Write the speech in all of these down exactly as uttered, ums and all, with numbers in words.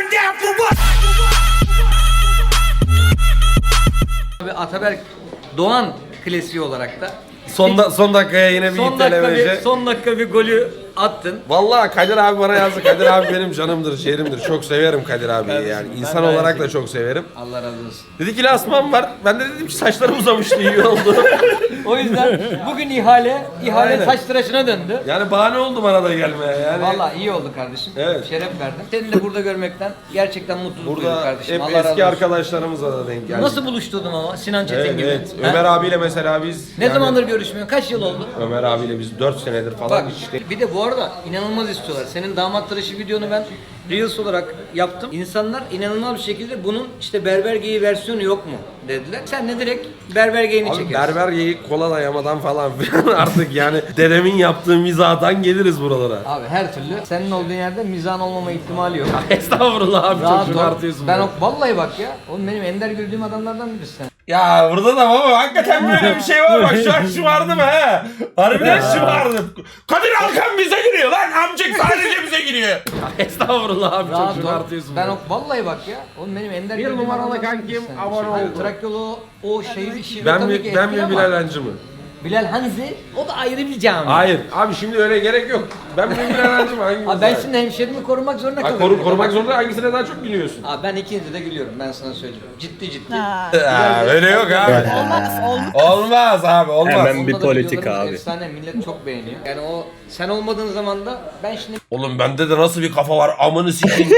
Abi Ataberk Doğan klasiği olarak da Son, da, son dakikaya yine bir son dakika bir, itelemece. son dakika bir golü attın. Vallahi Kadir abi bana yazdı. Kadir abi benim canımdır, şehrimdir. Çok severim Kadir abiyi Kardeşim, yani. ben İnsan de olarak aynı da çok severim. Allah razı olsun. Dedi ki lansman var. Ben de dedim ki saçlarım uzamıştı, iyi oldu. O yüzden bugün ihale ihale Aynen. saç tıraşına döndü. Yani bahane oldu bana da gelmeye yani. Vallahi iyi oldu kardeşim. Evet. Şeref verdin. Seni de burada görmekten gerçekten mutluluk duydum Burada kardeşim. hep Allah razı eski olsun. arkadaşlarımızla da denk geldik. Nasıl buluşturdun ama Sinan Çetin Evet, gibi? evet. Ha? Ömer abiyle mesela biz... Ne yani zamandır görüşmüyor? Kaç yıl oldu? Ömer abiyle biz dört senedir falan Bak işte. bir de bu arada inanılmaz istiyorlar. Senin damat tıraşı videonu ben Reels olarak yaptım. İnsanlar inanılmaz bir şekilde bunun işte berber geyiği versiyonu yok mu dediler. Sen de direkt berber geyiğini Abi çekiyorsun. berber geyik kola dayamadan falan filan artık yani dedemin yaptığı mizahtan geliriz buralara. Abi her türlü senin olduğun yerde mizahın olmama ihtimali yok. Estağfurullah abi, Rahat çok ol. şımartıyorsun. Ben beni. o, vallahi bak ya. Oğlum benim ender gördüğüm adamlardan birisin sen. Ya burada da baba hakikaten böyle bir şey var, bak şu an şımardım he. Harbiden şımardım. Kadir Alkan bize giriyor lan, amcık sadece bize giriyor. Estağfurullah abi, Rahat çok ol. şımartıyorsun. Ben beni. o, vallahi bak ya. Oğlum benim ender Bir gördüğüm numaralı adamlardan kankim, birisin sen. abone Hani oldu. Trakyolu o şehir işi Ben tabii mi, ki ben etkili mi ama Bilal Hancı mı? Bilal Hanzi o da ayrı bir cami. Hayır abi, şimdi öyle gerek yok. Ben mi Bilal Hancı mı? Hangimiz Abi ben var? şimdi hemşerimi korumak zorunda Ay, kalıyorum. koru, korumak zorunda, hangisine daha çok gülüyorsun? Abi ben ikinize de gülüyorum, ben sana söyleyeyim. Ciddi ciddi. Ha. Ha, öyle yok abi. Olmaz, olmaz. Olmaz abi, olmaz. Hemen Onda bir da politik videolarımız abi. Efsane, millet çok beğeniyor. Yani o sen olmadığın zaman da ben şimdi Oğlum bende de nasıl bir kafa var, amını sikeyim.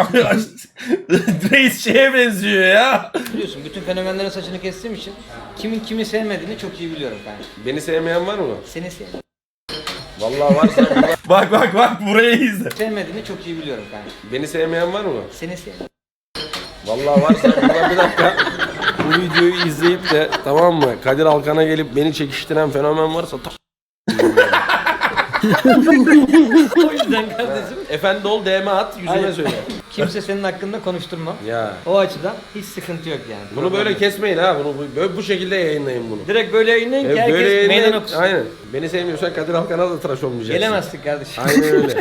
Reis şeye benziyor ya. biliyorsun bütün fenomenlerin saçını kestiğim için kimin kimi sevmediğini çok iyi biliyorum ben. Beni sevmeyen var mı? Seni sev Vallahi varsa burada... Bak bak bak, burayı izle. sevmediğini çok iyi biliyorum ben. Beni sevmeyen var mı? Seni sev. Vallahi varsa burada bir dakika. Bu videoyu izleyip de tamam mı, Kadir Alkan'a gelip beni çekiştiren fenomen varsa ta- O yüzden kardeşim efendi ol, D M at, yüzüme Hayır. söyle. kimse senin hakkında konuşturma. Ya O açıdan hiç sıkıntı yok yani. bunu böyle kesmeyin ha, bunu bu- böyle bu şekilde yayınlayın bunu. Direkt böyle yayınlayın ki E, herkes böyle meydan yayınlayın. okusun. Aynen. Beni sevmiyorsan Kadir Alkan'a da tıraş olmayacaksın. Gelemezsin kardeşim. Aynen öyle.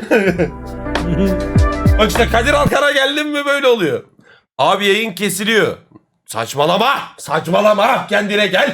Bak işte Kadir Alkan'a geldim mi böyle oluyor. Abi yayın kesiliyor. Saçmalama! Saçmalama! Kendine gel!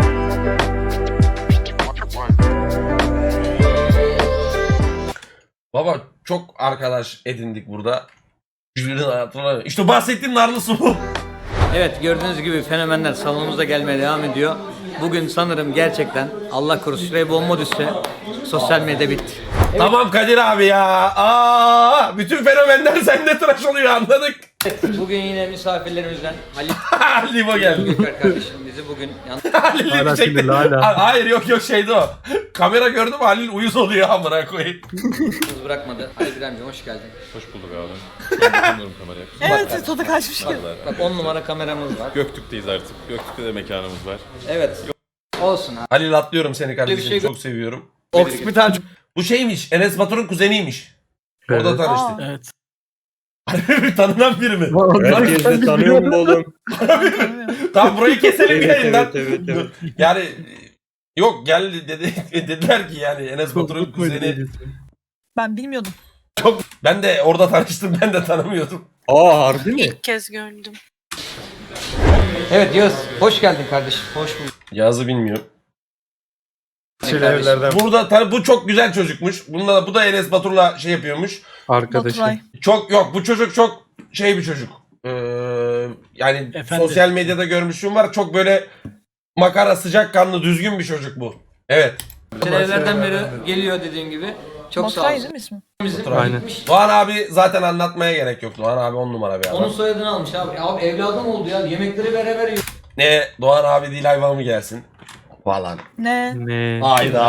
Baba çok arkadaş edindik burada. Jürinin hayatına... İşte bahsettiğim narlısı bu. Evet, gördüğünüz gibi fenomenler salonumuza gelmeye devam ediyor. Bugün sanırım gerçekten Allah korusun şuraya bomba düşse sosyal medya bitti. Tamam Kadir abi ya. Aa, bütün fenomenler sende tıraş oluyor, anladık. Bugün yine misafirlerimizden Halil Limo geldi. Göker kardeşim bizi bugün yalnız Halil Hala bir çekti. sinirli, hala. Ha- Hayır yok yok şeydi o. Kamera gördüm, Halil uyuz oluyor amına koyayım. bırakmadı. Halil İbrahim'ciğim hoş geldin. Hoş bulduk abi. Ben tanıyorum kamerayı. Evet, tadı kaçmış gibi. Bak on numara kameramız var. Göktürk'teyiz artık. Göktürk'te de mekanımız var. Evet. Olsun abi. Halil atlıyorum seni kardeşim, Bir şey- çok seviyorum. Oksipital. Bu şeymiş, Enes Batur'un kuzeniymiş. Orada Evet. tanıştık. Evet. Tanınan biri mi? Herkes de tanıyor mu oğlum? Tamam burayı keselim Evet, yayından. evet, evet, evet. Yani yok gel dedi, dediler ki yani Enes Batur'un kuzeni. Ben bilmiyordum. Ben de orada tanıştım, ben de tanımıyordum. Aa harbi mi? İlk kez gördüm. Evet Yağız hoş geldin kardeşim. Hoş bulduk. Yazı bilmiyorum. Evlerden Burada tabii bu çok güzel çocukmuş. Bunda da bu da Enes Batur'la şey yapıyormuş. arkadaşım. Baturay. Çok yok, bu çocuk çok şey bir çocuk. Ee, yani Efendim? sosyal medyada görmüşüm var. Çok böyle makara, sıcakkanlı, düzgün bir çocuk bu. Evet. Senelerden beri geliyor dediğim gibi. Çok sağ Baturay olsun. değil mi ismi? Bizim Aynen. gitmiş. Doğan abi zaten anlatmaya gerek yok. Doğan abi on numara bir adam. Onun soyadını almış abi. Abi evladım oldu ya. Yemekleri beraber yiyor. Ne Doğan abi değil hayvan mı gelsin? Falan. Ne? Ne? Hayda.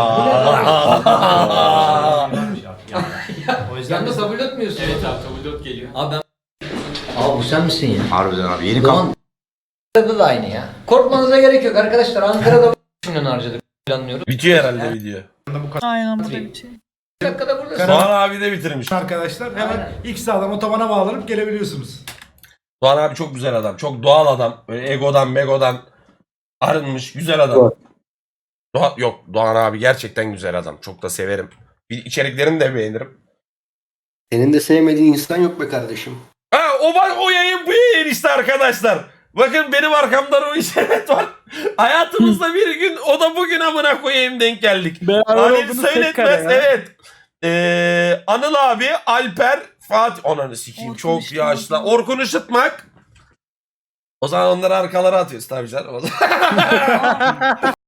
Yanında tabulot mu yiyorsun? Evet abi tabulot geliyor. Abi ben... Abi bu sen misin ya? Harbiden abi yeni Doğan Ankara'da da aynı ya. Korkmanıza gerek yok arkadaşlar. Ankara'da milyon harcadık. Planlıyoruz. Bitiyor herhalde video. Aynen bu da bir şey. Bir dakikada buradasın. Doğan abi de bitirmiş. Arkadaşlar hemen ilk sağdan otobana bağlanıp gelebiliyorsunuz. Doğan abi çok güzel adam. Çok doğal adam. Böyle egodan megodan arınmış güzel adam. Doğa, yok Doğan abi gerçekten güzel adam. Çok da severim. Bir içeriklerini de beğenirim. Senin de sevmediğin insan yok be kardeşim. Ha o bak o yayın bu yayın işte arkadaşlar. Bakın benim arkamda o işaret var. Hayatımızda bir gün o da bugün amına koyayım denk geldik. Beraber Halil olduğunuz tek Söyletmez kare ya. evet. Ee, Anıl abi, Alper, Fatih. Ananı sikeyim Orkun çok Işıtmak. yaşlı. Orkun Işıtmak. O zaman onları arkalara atıyoruz tabii canım.